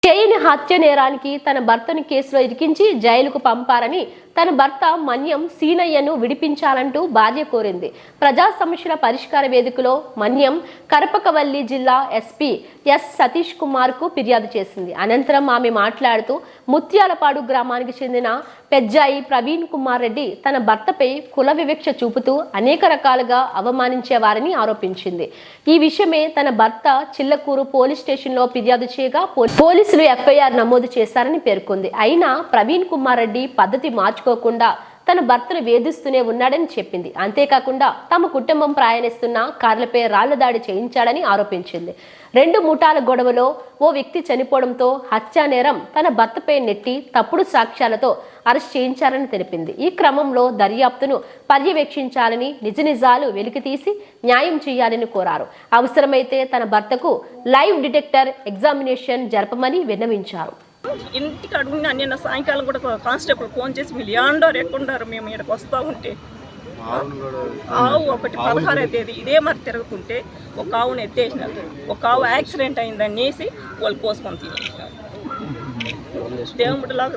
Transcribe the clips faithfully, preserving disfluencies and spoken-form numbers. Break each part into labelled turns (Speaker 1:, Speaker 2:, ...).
Speaker 1: చేయని హత్య నేరానికి తన భర్తను కేసులో ఇరికించి జైలుకు పంపారని తన భర్త మన్యం సీనయ్యను విడిపించాలంటూ భార్య కోరింది. ప్రజా సమస్యల పరిష్కార వేదికలో మన్యం కరపకవల్లి జిల్లా ఎస్పీ ఎస్ సతీష్ కుమార్ కు ఫిర్యాదు చేసింది. అనంతరం ఆమె మాట్లాడుతూ ముత్యాలపాడు గ్రామానికి చెందిన పెజ్జాయి ప్రవీణ్ కుమార్ రెడ్డి తన భర్తపై కుల వివక్ష చూపుతూ అనేక రకాలుగా అవమానించేవారని ఆరోపించింది. ఈ విషయమే తన భర్త చిల్లకూరు పోలీస్ స్టేషన్లో ఫిర్యాదు చేయగా పోలీసులు ఎఫ్ఐఆర్ నమోదు చేశారని పేర్కొంది. అయినా ప్రవీణ్ కుమార్ రెడ్డి పద్ధతి మార్చుకోకుండా తన భర్తను వేధిస్తూనే ఉన్నాడని చెప్పింది. అంతేకాకుండా తమ కుటుంబం ప్రయాణిస్తున్న కార్లపై రాళ్ల దాడి చేయించాడని ఆరోపించింది. రెండు ముఠాల గొడవలో ఓ వ్యక్తి చనిపోవడంతో హత్యా నేరం తన భర్తపై నెట్టి తప్పుడు సాక్ష్యాలతో అరెస్ట్ చేయించారని తెలిపింది. ఈ క్రమంలో దర్యాప్తును పర్యవేక్షించాలని, నిజ నిజాలు వెలికితీసి న్యాయం చేయాలని కోరారు. అవసరమైతే తన భర్తకు లైవ్ డిటెక్టర్ ఎగ్జామినేషన్ జరపమని విన్నవించారు.
Speaker 2: ఇంటికి అడుగుని నిన్న సాయంకాలం కూడా కానిస్టేబుల్ ఫోన్ చేసి మీరు యాండారు ఎక్కడున్నారు, మేము ఇక్కడికి వస్తూ ఉంటే ఆవు ఒకటి పదహారవ తేదీ ఇదే మరి తిరుగుతుంటే ఒక ఆవును ఎత్తేసినారు. ఒక ఆవు యాక్సిడెంట్ అయిందనేసి వాళ్ళు పోసుకొని తీసేసినారు. దేవుడిలాగా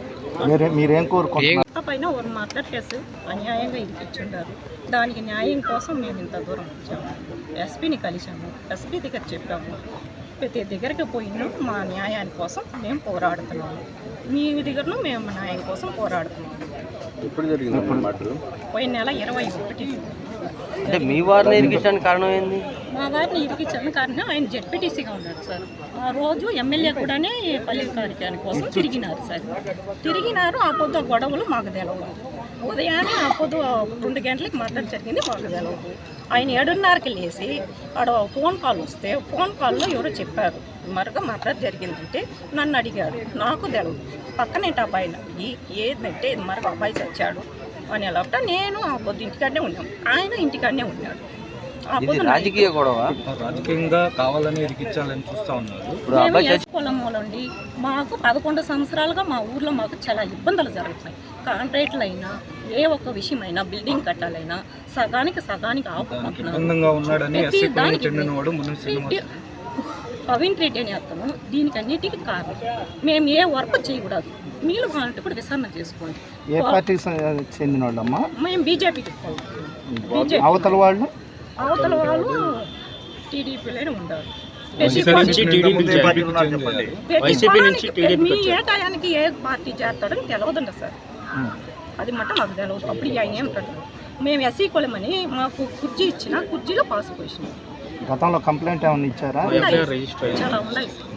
Speaker 2: దాన్ని పైన ఒక మర్డర్ కేసు అన్యాయంగా ఇరికిచ్చుంటారు. దానికి న్యాయం కోసం మేము ఇంత దూరం వచ్చాము. ఎస్పీని కలిసాము, ఎస్పీ దగ్గర చెప్పాము. ప్రతి దగ్గరికి పోయినా మా న్యాయాని కోసం మేము పోరాడుతున్నాము. మీ దగ్గరను మేము న్యాయం కోసం పోరాడుతున్నాము.
Speaker 3: ఇప్పుడు జరిగింది
Speaker 2: పోయిన నెల ఇరవై ఒకటి
Speaker 3: అంటే మీ వారిని ఇరికించడానికి కారణం ఏంది?
Speaker 2: మా వారిని ఇరికించడానికి కారణం ఆయన జెడ్పీటీసీగా ఉన్నాడు సార్. ఆ రోజు ఎమ్మెల్యే కూడానే పల్లె కార్యక్రమం కోసం తిరిగినారు సార్. తిరిగినారు. ఆ పొద్దు గొడవలు మాకు తెలవదు. ఉదయాన్నే ఆ పొద్దు రెండు గంటలకు మర్డర్ జరిగింది, మాకు తెలవదు. ఆయన ఏడున్నరకి లేచి ఆడ ఫోన్ కాల్ వస్తే ఫోన్ కాల్లో ఎవరో చెప్పారు మరొక మర్డర్ జరిగిందంటే నన్ను అడిగాడు. నాకు తెలవదు. పక్కనేంటి అబ్బాయిని అడిగి ఏదంటే మరొక అబ్బాయి చచ్చాడు అని ఎలా నేను ఆ పొద్దు ఇంటికాడనే ఉన్నాం, ఆయన ఇంటికాడనే ఉన్నాడు.
Speaker 3: రాజకీయ గొడవ
Speaker 4: రాజకీయంగా కావాలని ఇరికించాలని చూస్తా ఉన్నారు.
Speaker 2: పొలంలోండి మాకు పదకొండు సంవత్సరాలుగా మా ఊర్లో మాకు చాలా ఇబ్బందులు జరుగుతాయి. కాంట్రాక్ట్లు అయినా ఏ ఒక్క విషయమైనా బిల్డింగ్ కట్టాలైనా సగానికి సగానికి ప్రవీణ్ రెడ్డి అని అతను దీనికి అన్నిటికీ కారణం. మేము ఏ వర్క్ చేయకూడదు, మీరు కావాలంటే కూడా విచారణ చేసుకోండి.
Speaker 5: ఏ పార్టీకి చెందిన వాళ్ళమ్మా?
Speaker 2: మేము బీజేపీకి
Speaker 5: అవతల వాళ్ళు
Speaker 2: అవతల వాళ్ళు టీడీపీలోనే ఉండారు. మీ ఏ టయానికి ఏ పార్టీ చేస్తాడని తెలవదండి సార్. అది మట్ట మాకు తెలవదు. అప్పుడు ఆయన ఏమిటాడు, మేము ఎస్సీ కులమని మాకు కుర్చీ ఇచ్చిన కుర్చీలో పాస్ పోసినాం.
Speaker 5: గతంలో కంప్లైంట్ ఏమైనా ఇచ్చారా?
Speaker 2: చాలా ఉన్నాయి.